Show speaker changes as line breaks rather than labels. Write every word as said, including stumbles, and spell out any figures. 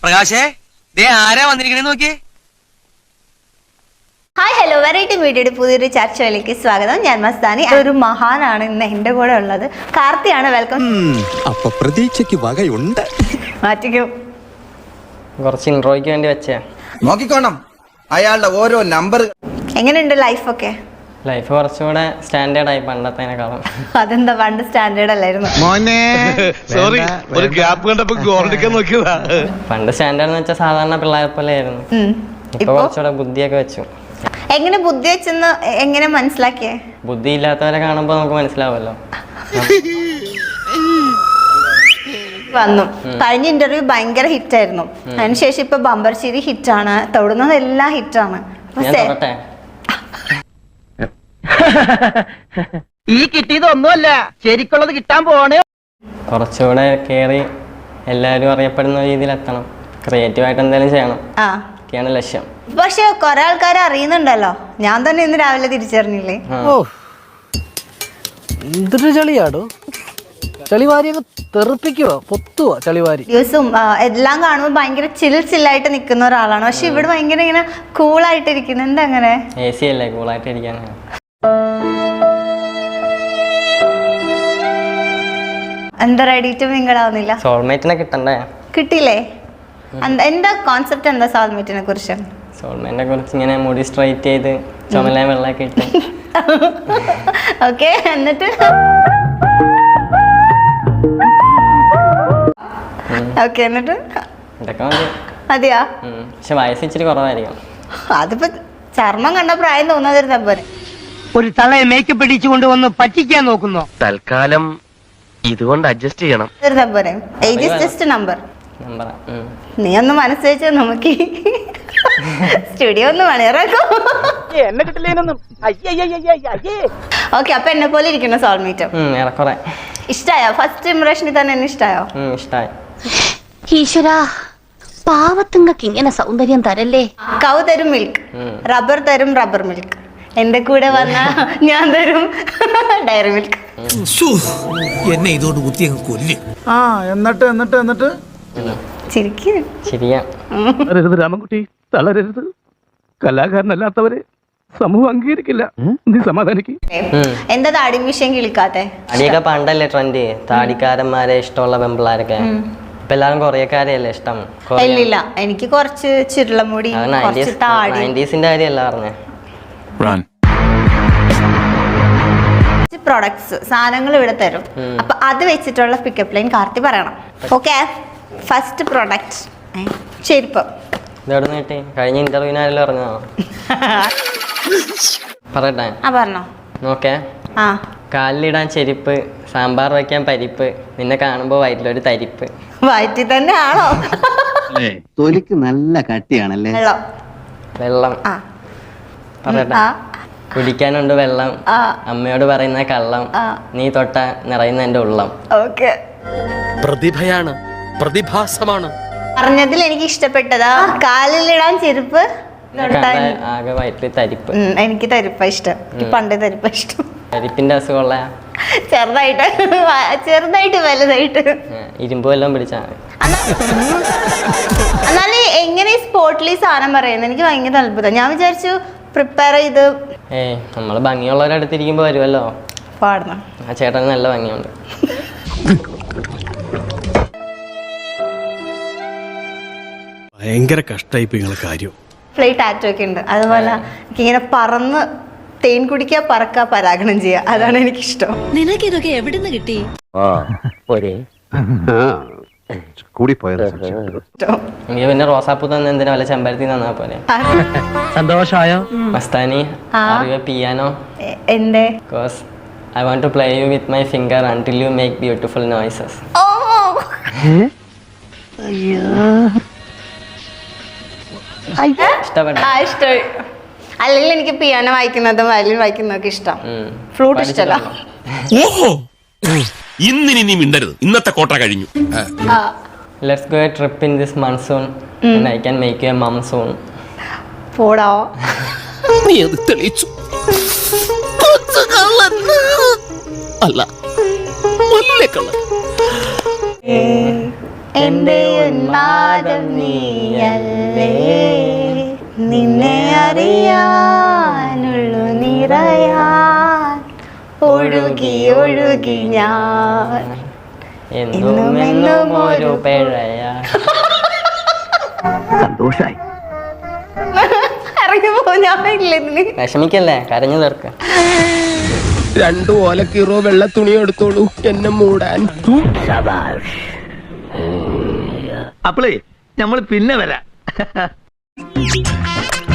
പ്രകാശേ ദേ ആരാ വന്നിരിക്കണേ നോക്കിയേ.
Hi hello variety മീഡിയയുടെ പുതിയൊരു ചർച്ചയിലേക്ക് സ്വാഗതം. ഞാൻ മസ്താനി. ഒരു മഹാനാണ് ഇന്ന് എന്റെ കൂടെ ഉള്ളത്. കാർത്തിയാണ്. വെൽക്കം.
അപ്പൊ പ്രതീക്ഷയ്ക്ക് വകയുണ്ട്.
മാറ്റിക്കോ.
കുറച്ച് ഇൻട്രോയ്ക്ക് വേണ്ടി വെച്ചേ.
നോക്കിക്കോണം അയാളുടെ ഓരോ നമ്പർ.
എങ്ങനെയുണ്ട് ലൈഫൊക്കെ?
ലൈഫ് കുറച്ചുകൂടെ സ്റ്റാൻഡേർഡ് ആയി പണ്ടത്തേനെക്കാളും.
അതെന്താ, പണ്ട് സ്റ്റാൻഡേർഡ് അല്ലായിരുന്നു?
സോറി, ഒരു ഗ്യാപ്പ് കണ്ടപ്പോ ഗോൾഡിക്കാൻ നോക്കിയതാ.
പണ്ട് സ്റ്റാൻഡേർഡ് എന്ന് വെച്ചാൽ സാധാരണ പിള്ളേരെ പോലെ ആയിരുന്നു. ഇപ്പൊ കുറച്ചുകൂടെ ബുദ്ധിയൊക്കെ വെച്ചു.
എങ്ങനെ ബുദ്ധി വെച്ചെന്ന് എങ്ങനെ മനസ്സിലാക്കിയേ?
ബുദ്ധി ഇല്ലാത്തവരെ കാണുമ്പോ നമുക്ക് മനസ്സിലാവുമല്ലോ.
വന്നു കഴിഞ്ഞ ഇന്റർവ്യൂ ഭയങ്കര ഹിറ്റ് ആയിരുന്നു. അതിനുശേഷം ഇപ്പൊ ബമ്പർശ്ശേരി ഹിറ്റാണ്, തൊടുന്നത് എല്ലാം ഹിറ്റാണ്.
ഈ കിട്ടിയത് ഒന്നുമല്ല, ശരിക്കുള്ളത് കിട്ടാൻ പോണേ.
കുറച്ചുകൂടെ കേറി എല്ലാവരും അറിയപ്പെടുന്ന രീതിയിൽ എത്തണം. ക്രിയേറ്റീവ് ആയിട്ട് എന്തെങ്കിലും ചെയ്യണം, ഒക്കെയാണ് ലക്ഷ്യം.
പക്ഷെ കൊറേ ആൾക്കാരെ അറിയുന്നുണ്ടല്ലോ. ഞാൻ തന്നെ ഇന്ന് രാവിലെ തിരിച്ചറിഞ്ഞില്ലേ?
എന്തൊരു ചളിയാടോ, ചളിവാരി തെറിപ്പിക്കുവോ, പൊത്തുവോ ചളിവാരി.
ദിവസവും എല്ലാം കാണുമ്പോൾ ഭയങ്കര ചിൽ ചില്ലായിട്ട് നിൽക്കുന്ന ഒരാളാണ്. പക്ഷെ ഇവിടെ ഭയങ്കര ഇങ്ങനെ കൂളായിട്ട് ഇരിക്കുന്നു. എന്താ അങ്ങനെ?
എ സി അല്ലേ, കൂളായിട്ട് ഇരിക്കാൻ.
എന്താ റെഡി ടു മിങ്കിൾ ആവുന്നില്ല?
സോൾമേറ്റിനെ കിട്ടണ്ടേ?
കിട്ടിയില്ലേ? എന്താ കോൺസെപ്റ്റ്? എന്താ സോൾമേറ്റിനെ കുറിച്ച്?
സോൾമേറ്റിനെ കുറിച്ച് ഇങ്ങനെ മുടി സ്ട്രൈറ്റ് ചെയ്ത് ചുമല വെള്ളമൊക്കെ ഇട്ട്.
ഓക്കെ, എന്നിട്ട് ഓക്കെ എന്നിട്ട്
ഇതൊക്കെ മതി.
മതിയാ?
പക്ഷെ വയസ്സ് ഇച്ചിരി കുറവായിരിക്കും.
അതിപ്പോ ചർമ്മം കണ്ട പ്രായം തോന്നാതിരുന്ന പോലെ.
ഒരു തളയെ മേക്കപ്പ് ഇടിച്ചു കൊണ്ടുവന്ന് പറ്റിക്കാൻ നോക്കുന്നു.
തൽക്കാലം ഇതുകൊണ്ട് അഡ്ജസ്റ്റ് ചെയ്യണം.
പോരെ, ഏജ് ഇസ് ജസ്റ്റ് നമ്പർ.
നമ്പറാ.
നീ ഒന്ന് മനസ്സ് വെച്ചാൽ നമുക്ക് സ്റ്റുഡിയോ ഒന്ന് മണിയറാക്കും.
എന്നെ കിട്ടില്ലേനൊന്നും.
ഓക്കെ, അപ്പൊ എന്നെ പോലെ ഇരിക്കുന്ന സോൾമേറ്റ്
ഏറെക്കുറെ
ഇഷ്ടായോ? ഫസ്റ്റ് ഇംപ്രഷനിൽ തന്നെ എന്നെ ഇഷ്ടായോ?
ഇഷ്ടായി.
ഈശ്വരാ, പാവത്തുങ്ങൾക്ക് ഇങ്ങനെ സൗന്ദര്യം തരല്ലേ.
കൗ തരും മിൽക്ക്, റബ്ബർ തരും റബ്ബർ മിൽക്ക്. എന്റെ കൂടെ വന്ന ഞാൻ തരും ഡയറി മിൽക്ക്.
എന്നെ ഇതോട് കുത്തി അങ്ങ് കൊല്ലും.
ആ എന്നിട്ട് എന്നിട്ട് എന്നിട്ട്
ചിരിക്ക്.
ശരിയാ.
തളരരുത് രാമൻകുട്ടി, തളരരുത്. കലാകാരനല്ലാത്തവരെ സമൂഹം അംഗീകരിക്കില്ല. നീ സമാധാനിക്ക്.
എന്താ താടി വിഷയം കിളിക്കാത്തെ?
താടിയൊക്കെ പണ്ടല്ലേ ട്രെൻഡ്, താടിക്കാരന്മാരെ ഇഷ്ടമുള്ള പെമ്പിള്ളാരൊക്കെ. ഇപ്പൊ എല്ലാരും കൊറിയക്കാരെയല്ലേ ഇഷ്ടം?
ഇല്ല, എനിക്ക് കുറച്ച് ചുരുളമുടി, കുറച്ച് താടി.
നയൻറ്റീസിന്റെ കാര്യമല്ല പറഞ്ഞേ.
പ്രൊഡക്ട്സ്, സാധനങ്ങൾ ഇവിടെ തരും. അപ്പൊ അത് വെച്ചിട്ടുള്ള പിക്കപ്പ് ലൈൻ കാർത്തി പറയണം. ഓക്കെ, ഫസ്റ്റ് പ്രൊഡക്റ്റ് ചെരുപ്പ്.
ഇതെവിടെ നീട്ടി? കഴിഞ്ഞ ഇന്റർവ്യൂവിനാരല്ലോ പറഞ്ഞോ? പറയട്ടെ?
ആ പറഞ്ഞോ.
നോക്കേ,
ആ
കാലിലിടാൻ ചെരുപ്പ്, സാമ്പാർ വയ്ക്കാൻ പരിപ്പ്, നിന്നെ കാണുമ്പോ വയറ്റിലൊരു തരിപ്പ്.
വയറ്റിൽ തന്നെ ആണോ?
തൊലിക്ക് നല്ല കട്ടിയാണല്ലേ.
വെള്ളം.
വെള്ളം.
ആ
പറയട്ടെ? കുടിക്കാനുണ്ട് വെള്ളം, അമ്മയോട് പറയുന്ന കള്ളം, നീ തൊട്ട നിറയുന്ന എന്റെ ഉള്ളം.
ഓക്കെ,
പ്രതിഭയാണ്, പ്രതിഭാസമാണ്.
പറഞ്ഞതിൽ എനിക്ക് ഇഷ്ടപ്പെട്ടതാ കാലിലിടാൻ ചെരുപ്പ്.
ആകെ വയറ്റിൽ തരിപ്പ്.
എനിക്ക് തരിപ്പ ഇഷ്ടം. എനിക്ക് പണ്ടേ തരിപ്പ ഇഷ്ടം.
തരിപ്പിന്റെ അസുഖമുള്ള
ചെറുതായിട്ട് ചെറുതായിട്ട് വലുതായിട്ട്
ഇരുമ്പ് വല്ലതും പിടിച്ചാ.
എന്നാലും എങ്ങനെ സ്പോട്ടിൽ ഈ സാധനം പറയുന്നത് എനിക്ക് ഭയങ്കര അത്ഭുതം. ഞാൻ വിചാരിച്ചു പ്രിപ്പയർ ചെയ്ത്.
ഏയ്, നമ്മള് ഭംഗിയുള്ളവരുടെ അടുത്തിരിക്കുമ്പോ വരുമല്ലോ.
പാടണം.
ആ ചേട്ടന് നല്ല ഭംഗിയുണ്ട്.
ഭയങ്കര കഷ്ടായിപ്പോ നിങ്ങളെ കാര്യം.
ഫ്ലൈ ടാറ്റോ ഒക്കെ ഉണ്ട്. അതുപോലെ എനിക്കിങ്ങനെ പറന്ന് തേൻ കുടിക്കുക, പറക്കുക, പരാഗണം ചെയ്യുക. അതാണ് എനിക്കിഷ്ടം.
നിനക്ക് ഇതൊക്കെ എവിടുന്ന് കിട്ടി?
എനിക്ക് പിന്നെ റോസാപ്പൂ തന്നെ എന്തിനാ വല്ല ചെമ്പരത്തി തന്നാ പോലെ.
സന്തോഷായോ
മസ്താനി, പിയാനോ?
എന്റെ
Because I want to play you with my finger until you make beautiful noises.
ഓ
ഇഷ്ടപ്പെട്ടു?
ആ ഇഷ്ടമായി. അല്ലെങ്കിൽ എനിക്ക് പിയാനോ വായിക്കുന്നതും വയലിൻ വായിക്കുന്നതൊക്കെ ഇഷ്ടം. ഫ്ലൂട്ട് ഇഷ്ടമല്ല.
ഇന്നിനി നീ മിണ്ടരുത്, ഇന്നത്തെ കോട്ട കഴിഞ്ഞു.
Let's go a trip in this monsoon and I can make you a mum soon.
പോടാ.
നീ അത് തെളിയിച്ചു. അല്ല,
എന്റെ ഉന്മാദം നീയല്ലേ, നിന്നെ അറിയാനുള്ളു നിറയാൻ ഒഴുകി ഒഴുകി ഞാൻ
എന്നും എന്നും ഒരു പിഴയാ.
സന്തോഷായി.
ഇറങ്ങി പോ, ഞാൻ ഇല്ലെന്ന്.
വിഷമിക്കല്ലേ, കരഞ്ഞു തീർക്ക.
രണ്ടു ഓലക്കീറോ വെള്ള തുണി എടുത്തോളൂ എന്നെ മൂടാൻ.
അപ്പളേ നമ്മൾ പിന്നെ വരാം.